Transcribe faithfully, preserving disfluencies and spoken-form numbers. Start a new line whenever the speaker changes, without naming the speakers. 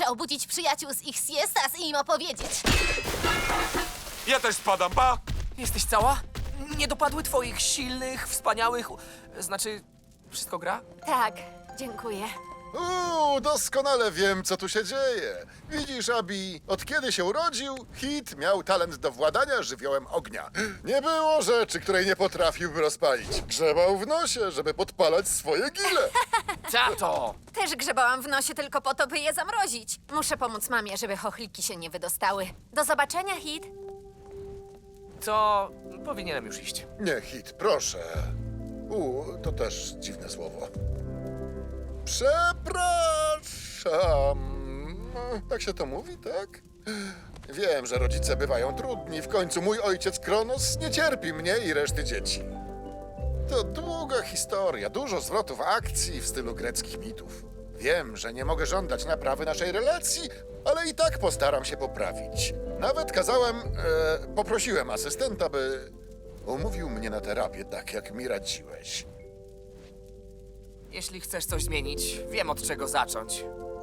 Muszę obudzić przyjaciół z ich siestas i im opowiedzieć.
Ja też spadam, pa!
Jesteś cała? Nie dopadły twoich silnych, wspaniałych... Znaczy, wszystko gra?
Tak, dziękuję.
Uuu, doskonale wiem, co tu się dzieje. Widzisz, Abi, od kiedy się urodził, Hit miał talent do władania żywiołem ognia. Nie było rzeczy, której nie potrafiłby rozpalić. Grzebał w nosie, żeby podpalać swoje gile.
Tato!
Też grzebałam w nosie tylko po to, by je zamrozić. Muszę pomóc mamie, żeby chochliki się nie wydostały. Do zobaczenia, Hit.
To powinienem już iść.
Nie, Hit, proszę. U, to też dziwne słowo. Przepraszam. No, tak się to mówi, tak? Wiem, że rodzice bywają trudni. W końcu mój ojciec Kronos nie cierpi mnie i reszty dzieci. To długa historia, dużo zwrotów akcji w stylu greckich mitów. Wiem, że nie mogę żądać naprawy naszej relacji, ale i tak postaram się poprawić. Nawet kazałem, e, poprosiłem asystenta, by umówił mnie na terapię, tak jak mi radziłeś.
Jeśli chcesz coś zmienić, wiem od czego zacząć.